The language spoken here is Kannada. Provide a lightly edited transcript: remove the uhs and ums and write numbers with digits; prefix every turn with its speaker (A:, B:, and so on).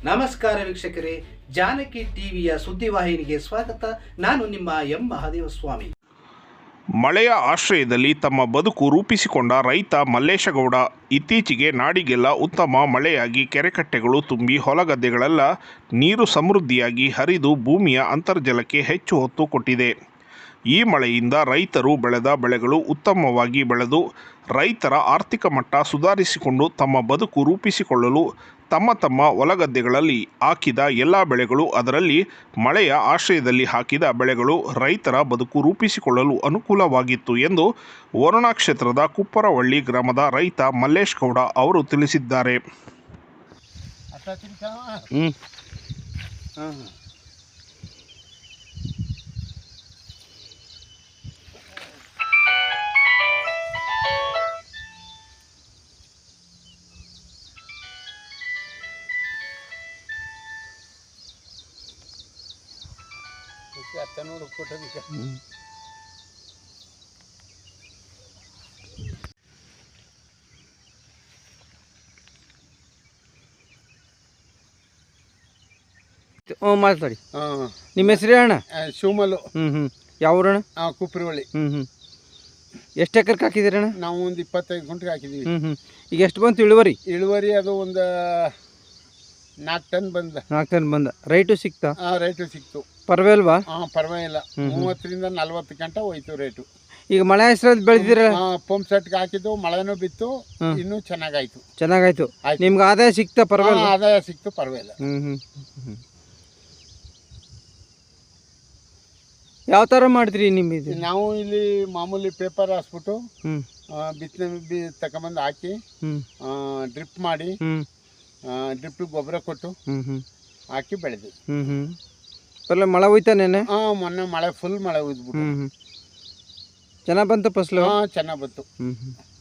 A: ನಮಸ್ಕಾರ ವೀಕ್ಷಕರೇ, ಜಾನಕಿ ಟಿವಿಯ ಸುದ್ದಿವಾಹಿನಿಗೆ ಸ್ವಾಗತ. ನಾನು ನಿಮ್ಮ ಎಂ ಮಹಾದೇವಸ್ವಾಮಿ.
B: ಮಳೆಯ ಆಶ್ರಯದಲ್ಲಿ ತಮ್ಮ ಬದುಕು ರೂಪಿಸಿಕೊಂಡ ರೈತ ಮಲ್ಲೇಶಗೌಡ ಇತ್ತೀಚೆಗೆ ನಾಡಿಗೆಲ್ಲ ಉತ್ತಮ ಮಳೆಯಾಗಿ ಕೆರೆಕಟ್ಟೆಗಳು ತುಂಬಿ ಹೊಲಗದ್ದೆಗಳೆಲ್ಲ ನೀರು ಸಮೃದ್ಧಿಯಾಗಿ ಹರಿದು ಭೂಮಿಯ ಅಂತರ್ಜಲಕ್ಕೆ ಹೆಚ್ಚು ಹೊತ್ತು ಕೊಟ್ಟಿದೆ. ಈ ಮಳೆಯಿಂದ ರೈತರು ಬೆಳೆದ ಬೆಳೆಗಳು ಉತ್ತಮವಾಗಿ ಬೆಳೆದು ರೈತರ ಆರ್ಥಿಕ ಮಟ್ಟ ಸುಧಾರಿಸಿಕೊಂಡು ತಮ್ಮ ಬದುಕು ರೂಪಿಸಿಕೊಳ್ಳಲು ತಮ್ಮ ಹೊಲಗದ್ದೆಗಳಲ್ಲಿ ಹಾಕಿದ ಎಲ್ಲ ಬೆಳೆಗಳು, ಅದರಲ್ಲಿ ಮಳೆಯ ಆಶ್ರಯದಲ್ಲಿ ಹಾಕಿದ ಬೆಳೆಗಳು ರೈತರ ಬದುಕು ರೂಪಿಸಿಕೊಳ್ಳಲು ಅನುಕೂಲವಾಗಿತ್ತು ಎಂದು ವರುಣಾ ಕ್ಷೇತ್ರದ ಕುಪ್ಪರವಳ್ಳಿ ಗ್ರಾಮದ ರೈತ ಮಲ್ಲೇಶ್ ಗೌಡ ಅವರು ತಿಳಿಸಿದ್ದಾರೆ.
C: ಮಾತಾಡಿ. ನಿಮ್ಮ ಹೆಸರು ಅಣ್ಣ?
D: ಶಿವಮಲ್ಲು.
C: ಯಾವ ಊರಣ್ಣ?
D: ಕುಪ್ಪರವಳ್ಳಿ.
C: ಎಷ್ಟು ಎಕರೆಗೆ ಹಾಕಿದ್ದೀರಣ್ಣ?
D: ನಾವು ಒಂದು 25 ಗುಂಟೆಗೆ ಹಾಕಿದ್ದೀವಿ.
C: ಈಗ ಎಷ್ಟು ಬಂತು ಇಳುವರಿ?
D: ಇಳುವರಿ ಅದು ಒಂದು 4 ಟನ್ ಬಂದ.
C: 4 ಟನ್ ಬಂದ. ರೈಟು ಸಿಕ್ತಾ?
D: ರೈಟು ಸಿಕ್ತು.
C: ಪರವಾಗಿಲ್ವಾ?
D: ಪರವಾಗಿಲ್ಲ. 30ರಿಂದ 40 ಗಂಟೆ ಹೋಯ್ತು ರೇಟು.
C: ಈಗ ಮಳೆ ಹೆಸರಲ್ಲಿ ಬೆಳೆದಿರ?
D: ಪಂಪ್ ಸೆಟ್ಗೆ ಹಾಕಿದ್ದು, ಮಳೆನೂ ಬಿತ್ತು, ಇನ್ನೂ ಚೆನ್ನಾಗಾಯ್ತು.
C: ಚೆನ್ನಾಗಾಯ್ತು. ನಿಮ್ಗೆ ಆದಾಯ ಸಿಕ್ತಾ? ಪರವಾಗಿಲ್ಲ,
D: ಆದಾಯ ಸಿಕ್ತು, ಪರವಾಗಿಲ್ಲ.
C: ಯಾವ ಥರ ಮಾಡಿದ್ರಿ ನಿಮ್ಮಿದು?
D: ನಾವು ಇಲ್ಲಿ ಮಾಮೂಲಿ ಪೇಪರ್ ಹಾಸ್ಬಿಟ್ಟು ಬಿತ್ತನೆ ತಗೊಂಬಂದು ಹಾಕಿ ಡ್ರಿಪ್ ಮಾಡಿ ಡ್ರಿಪ್ ಗೊಬ್ಬರ ಕೊಟ್ಟು ಹಾಕಿ ಬೆಳೆದ್ವಿ.
C: ಪರವಾಗಿಲ್ಲ. ಮಳೆ ಹೋಯ್ತಾ ನೆನೆ?
D: ಮೊನ್ನೆ ಮಳೆ ಫುಲ್ ಮಳೆ ಹೋಯ್ದ್ಬಿಟ್ಟು.
C: ಚೆನ್ನಾಗಿ ಬಂತು ಫಸಲು?
D: ಚೆನ್ನಾಗಿ ಬಂತು.